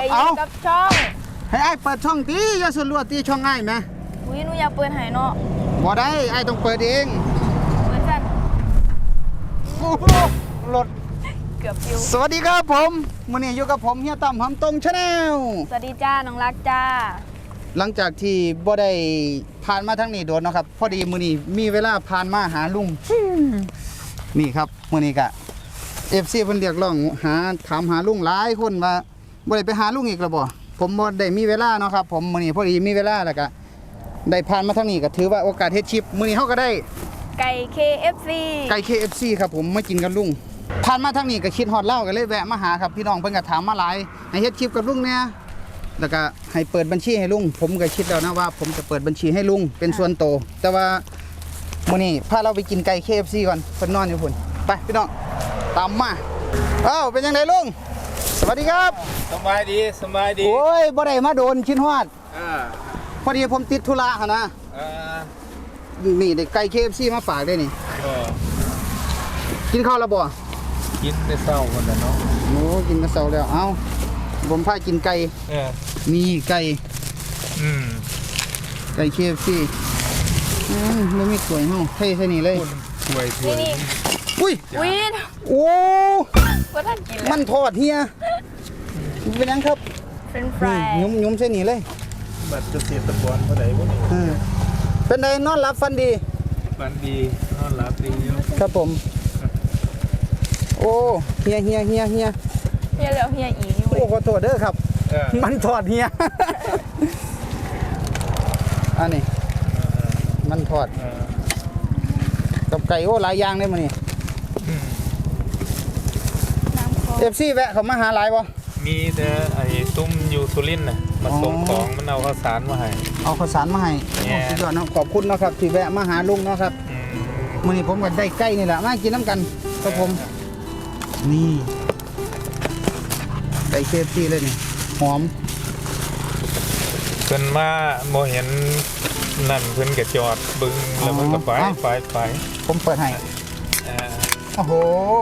อยู่กับช่องให้ไอ้เปิดช่องตีอย่าสลัวตีช่องง่ายไหมอุ้ยหนูอยากเปิดให้เนาะบ่ได้ไอ้ต้องเปิดเองเปิดกันโอ้โหรถเกือบฟิวสวัสดีครับผมมื้อนี้อยู่กับผมเฮียตั้มหำตรงชาแนลสวัสดีจ้าน้องรักจ้าหลังจากที่บ่ได้ผ่านมาทั้งนี้โดนเนาะครับพอดีมื้อนี้มีเวลาผ่านมาหาลุงนี่ครับมื้อนี้ก็ FC เพิ่นเรียกร้องถามหาลุงหลายคนว่าบ่ได้ไปหาลุงอีกแล้วบ่ผมบ่ได้มีเวลาเนาะครับผมมื้อนี้พอดีมีเวลาแล้วก็ได้ผ่านมาทางนี้ก็ถือว่าโอกาสเฮ็ดคลิปมื้อนี้เฮาก็ได้ไก่ KFC ไก่ KFC ครับผมมากินกับลุงผ่านมาทางนี้ก็คิดฮอดเล่าก็เลยแวะมาหาครับพี่น้องเพิ่นก็ถามมาหลายให้เฮ็ดคลิปกับลุงเนี่ยแล้วก็ให้เปิดบัญชีให้ลุงผมก็คิดแล้วนะว่าผมจะเปิดบัญชีให้ลุงเป็นส่วนโตแต่ว่ามื้อนี้พาเราไปกินไก่ KFC ก่อนเพิ่นนอนอยู่พุ่นไปพี่น้องตามมาเป็นยังไงลุงสวัสดีครับสบายดีโอ้ยบ่ได้มาโดนคิดฮอดพอดีผมติดธุระหั่นนะนี่ได้ไก่ KFC มาฝากได้นี่กินข้าวแล้วบ่กินแต่เช้าคนละเนาะโอ้กินแต่เช้าแล้วเอาผมพากินไก่นี่ไก่ไก่ KFC มันมีสวยเฮาเท่ๆนี่เลยสวยนี่อุ้ยโอ้ว่าท่านกินมันทอดเฮียเป็นยังครับเป็นฟรายยุ่มใช่นี่เลยบัตรเกษตรกรเท่าไหร่บ่นี่เป็นไงนอนหลับฝันดีนอนหลับดีอยู่ครับผมโอ้เฮียแล้วเฮียอีกโอ้ขอโทษเด้อครับมันทอดเฮียอันนี้มันทอดกับไก่โอ้หลายอย่างเลยมื้อนี้FC แวะเขามาหาหลายบ่มีแต่ไอ้ตุ้มอยู่สุรินทร์น่ะมาส่งของมันเอาข้าวสารมาให้เอาข้าวสารมาให้สุดยอดเนาะขอบคุณนะครับที่แวะมาหาลุงเนาะครับมื้อนี้ผมก็ได้ไก่นี่แหละมากินน้ำกันครับผมนี่ไก่ KFC เลยนี่หอมเพิ่นมาบ่เห็นนั่นเพิ่นก็จอดบึงแล้วมันก็ไปผมเปิดให้โอ้โห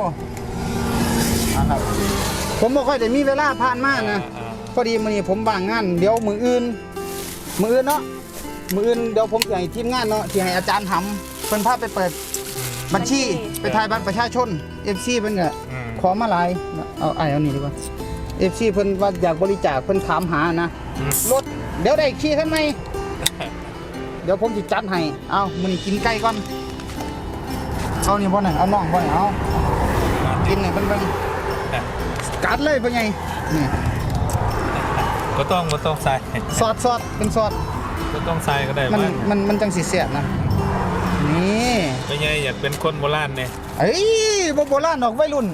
ครับผมบ่ค่อยได้มีเวลาผ่านมานะพอดีมื้อนี้ผมว่างงานเดี๋ยวมื้ออื่นเนาะมื้ออื่นเดี๋ยวผมจะให้ทีมงานเนาะที่ให้อาจารย์ทำเพิ่นพาไปเปิดบัญชีไปถ่ายบัตรประชาชน FC เพิ่นก็ขอมาหลายเอานี่ดีกว่า FC เพิ่นว่าอยากบริจาคเพิ่นถามหานะรถเดี๋ยวได้ขี่คันใหม่เดี๋ยวผมสิจัดให้เอามื้อนี้กินไก่ก่อนเอานี่บ่น่ะเอาน้องบ่น่ะเอากินให้เพิ่นกัดเลยเป็นไงนี่ก็ต้องใส่ซอสเป็นซอสก็ต้องใส่ก็ได้มันจังสิเสียนะนี่เป็นไงอยากเป็นคนโบราณเนี่ยเอ้ยโบราณดอกวัยรุ่น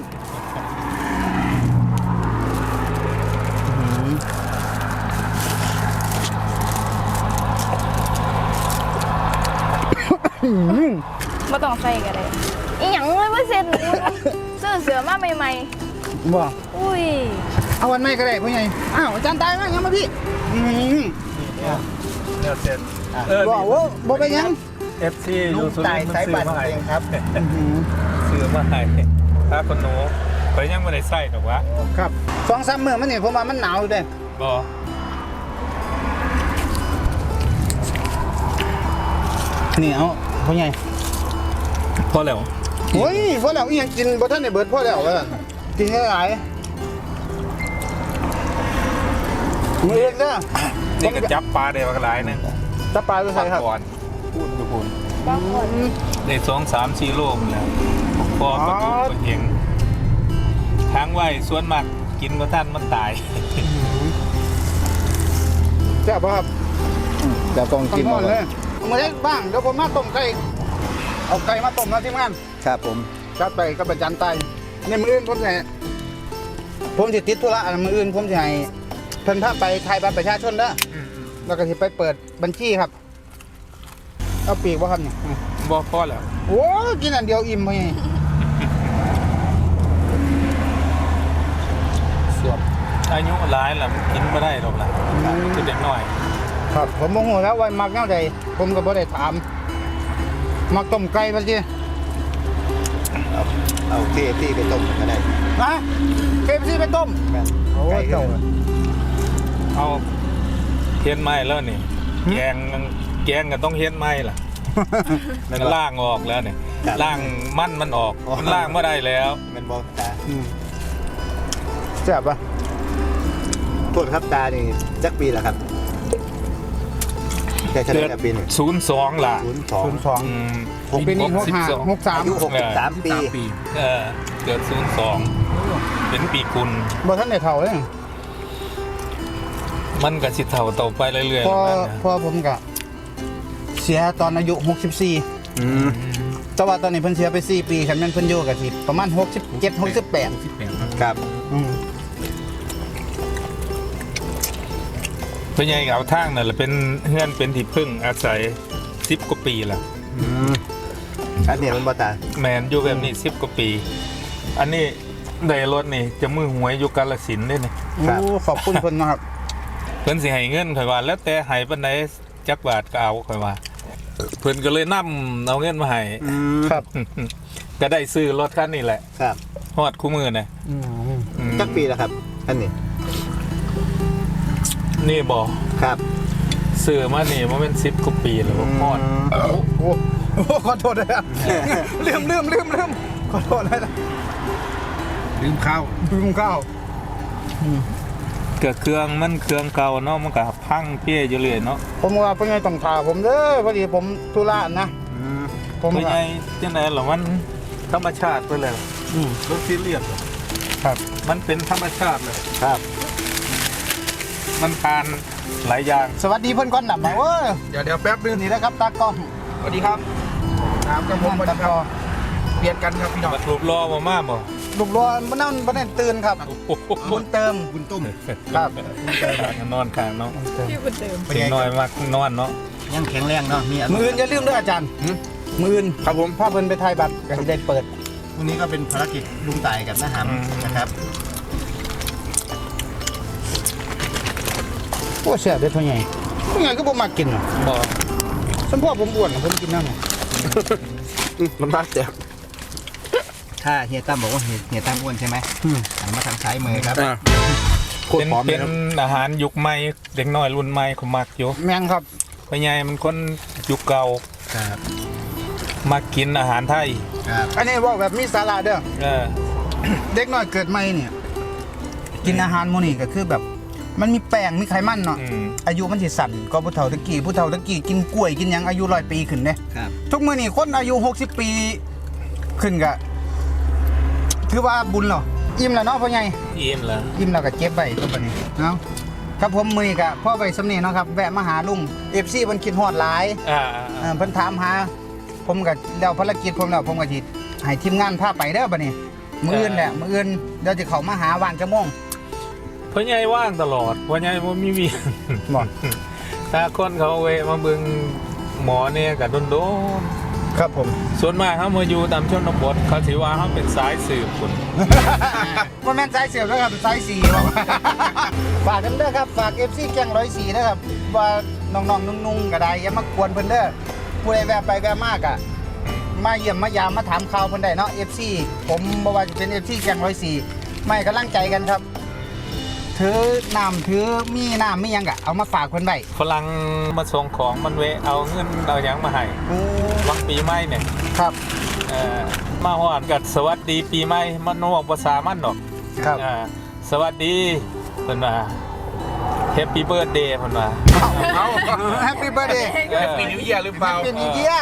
ไม่ต้องใส่กันเลยอีหยังไม่เสร็จเสือมาใหม่บ่อุ้ยเอาวันใหม่ก็ได้พ่อใหญ่อ้าวอาจารย์ตายมั้ยยังมาพี่เนี่ยเสร็จบ่เป็นยัง FC อยู่สุรินทร์มันซื้อมาให้ครับซื้อมาให้ถ้าคนหนูไปยังไม่ได้ใส่หรอกวะครับ2-3 มื้อมันนี่ผมว่ามันหนาวอยู่เด้บ่นี่เอาพ่อใหญ่พอแล้วโอ้ยพอแล้วอีหยังกินบ่ทันได้เบิดพอแล้วกินหลายมือเองเด้อนี่ก็จับปลาได้หลายนึงจับปลาด้วยใช่ครับก่อนพูดได้2-3-4 โลแล้วพอก็ถูกเองทางไว้ส่วนมากกินบ่ทันมันตายแซ่บบ่ครับจะต้องกินเลยมื้อนี้บ้างเดี๋ยวผมมาต้มไก่เอาไก่มาต้มนะทีมงานครับผมจัดไปกับอาจารย์ไตอันนี้มื้ออื่นผมสิติดธุระมื้ออื่นผมสิให้เพิ่นพาไปถ่ายบัตรประชาชนเด้อแล้วก็สิไปเปิดบัญชีครับเอาปีกบ่ครับนี่บ่พอแล้วโอ้กินอันเดียวอิ่มพี่สวบอายุหลายแล้วกินบ่ได้หรอกล่ะคือเด็กน้อยครับผมโมโหแล้วว่ามักแนวใดผมก็บ่ได้ถามมักต้มไก่บ่สิเอา KFC ไปต้มก็ได้นะ KFC ไปต้มโอ้ยเจ้าเอาเฮ็ดไม้แล้วนี่แกงก็ต้องเฮ็ดไม้ล่ะมันล่างออกแล้วเนี่ยล่างมันออกมันล่างไม่ได้แล้วมันบอกตาแซ่บปะโทษครับตานี่จักปีละครับแต่เฉลี่ยกับปีนี่ 02ล่ะ 02 ผมปีนี้63 อายุ63 ปีเกิด02เป็นปีกุลบ่ทันได้เฒ่าเลยมันก็สิเฒ่าต่อไปเรื่อยๆพอแล้วนะพอผมก็เสียตอนอายุ64แต่ว่าตอนนี้เพิ่นเสียไป4ปีคันแม่นเพิ่นอยู่ก็สิประมาณ67 68 ครับเพิ่นใหญ่เอาทางนั่นแหละเป็นเฮือนเป็นที่พึ่งอาศัย10กว่าปีละอันนี้มันบ่ตาแมนอยู่แบบนี้10กว่าปี อันนี้ได้รถนี่จะมือหวยอยู่กาฬสินธุ์เด้นี่โอ้ขอบคุณเพิ่นนะครับเพิ่นสิให้เงินข่อยว่า แล้วแต่ให้ปานใดจักบาทก็เอาข่อยว่า เพิ่นก็เลยนำเอาเงินมาให้ครับก็ได้ซื้อรถคันนี้แหละครับฮอดคู่มือน่ะอืมจักปีละครับอันนี้นี่บ่ครับซื้อมานี่บ่แม่น10กว่าปีแล้วบ่ฮอดโอ้ขอโทษด้วยครับลืมขอโทษนะลืมข้าวลืมข้าวก็เครื่องมันเครื่องเก่าเนาะมันก็พังเปี้ยอยู่เรื่อยเนาะผมว่าเพิ่นไงต้องถาผมเด้อพอดีผมธุระนะผมเพิ่นก็ใหญ่จังได๋ล่ะมันธรรมชาติไปเลย รถซีเรียสครับมันเป็นธรรมชาติเลยครับมันทานหลายอย่างสวัสดีเพิ่นก่อนน่ะมาเว้ยเดี๋ยวแป๊บนึงนี่นะครับตากล้องสวัสดีครับน้ำกับผมสวัสตาดีกคล้รัอบ งเปลี่ยนกันครับพี่น้องมารูปรอมาม่าบ่ลูกรอบ่นั่นบ่ได้ตื่นครับโอ้โหบุญเติมบุญตุ้มครับนอนข้างเนาะพี่บุญเติมเสียงน้อยมากนอนเนาะยังแข็งแรงเนาะมีมื้ออื่นอย่าลืมเด้ออาจารย์มื้ออื่นครับผมพาเพิ่นไปถ่ายบัตรก็สิได้เปิดวันนี้ก็เป็นภารกิจลุงตายกับน้าหำนะครับโอ้แซ่บเด้อพ่อใหญ่พ่อใหญ่ก็บ่มักกินหรอกบ่ฉันพ่อผมอ้วนผมกินน้ำมันมากแจกถ้าเฮียตั้มบอกว่าเฮียตั้มอ้วนใช่ไหมหันมาทางซ้ายมือครับโคตรเป็นหอมเลเป็ยนครับอาหารยุคใหม่เด็กน้อยรุ่นใหม่เขามักอยู่แม่งครับพ่อใหญ่มันคนยุคเก่าครับมักกินอาหารไทยครับอันนี้เว้าแบบมีสาระเด้อเออเด็กน้อยเกิดใหม่เนี่ยกินอาหารหมื้อนี้ก็คือแบบ มันมีแป้งมีไขมันเนาะอืมอายุมันสิสั้นก็ผู้เฒ่าตะกี้กินกล้วยกินหยังอายุ100 ปีขึ้นเด้ครับทุกมื้อนี้คนอายุ60 ปีขึ้นก็ถือว่าบุญเหรออิ่มแล้วเนาะพ่อใหญ่อิ่มแล้วอิ่มแล้วก็เก็บไว้ตัวบัดนี้เนาะครับผมมื้อนี้ก็พ่อไว้สำนี้เนาะครับแวะมาหาลุง FC เพิ่นคิดฮอดหลาย เพิ่นถามหา ผมก็แล้วภารกิจผมแล้วผมก็สิให้ทีมงานพาไปเด้อบัดนี้มื้ออื่นแหละมื้ออื่นเดี๋ยวจะเข้ามาหาว่างจักโมงพ่อใหญ่ว่างตลอดพ่อใหญ่บ่มีเวียนบ่ถ้าคนเขาเวะมาเบิ่งหมอเนี่ยก็โดนครับผมๆส่วนมากเขามาอยู่ตามชนบทเขาถือว่าเขาเป็นสายสืบคนว่าแม่นสายเสียบแล้วครับสายสีบอก ฝากกันเด้อครับฝาก FC แกง104นะครับว่าน้องๆนุ่งๆก็ได้อย่ามากวนเพิ่นเด้อผู้ใดแวะไปแวะมากอะมาเยี่ยมมายามมาถามข่าวเพิ่นได้เนาะ FC ผมบ่ว่าจะเป็น FC แกง104ไม่กำลังใจกันครับถือน้ำถือมีน้ำมีหยังก็เอามาฝากเพิ่นไว้ฝรั่งมาส่งของมันเวะเอาเงินเอาหยังมาให้โอ้วังปีใหม่เนี่ยครับมาฮอดกับสวัสดีปีใหม่มันบ่ภาษามันดอกครับสวัสดีเพิ่นว่าแฮปปี้เบิร์ธเดย์เพิ่นว่าเอาแฮปปี้เบิร์ดเดย์แฮปปี้นิวเยียร์หรือเปล่าเป็นอีเดีย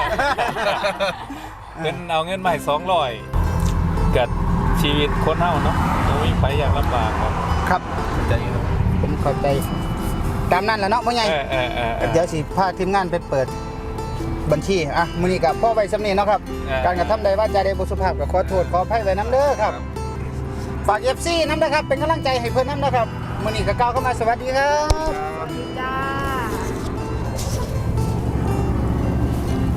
เป็นเอาเงินมาให้200กับชีวิตคนเฮาเนาะบ่มีไผอยากลำบากหรอกครับใจเนาะผมเข้าใจตามนั้นแหละเนาะพ่อใหญ่ เดี๋ยวสิพาทีมงานไปเปิดบัญชีอ่ะมื้อนี้ก็พ่อไว้สำนี้เนาะครับ การกระทำใดว่าจาใดบ่สุภาพก็ขอโทษขออภัยไว้นํเด้อครับ ฝาก FC นำนะครับ เป็นกำลังใจให้เพิ่นนำนะครับมื้อนี้ก็กล่าวเข้ามาสวัสดีครับ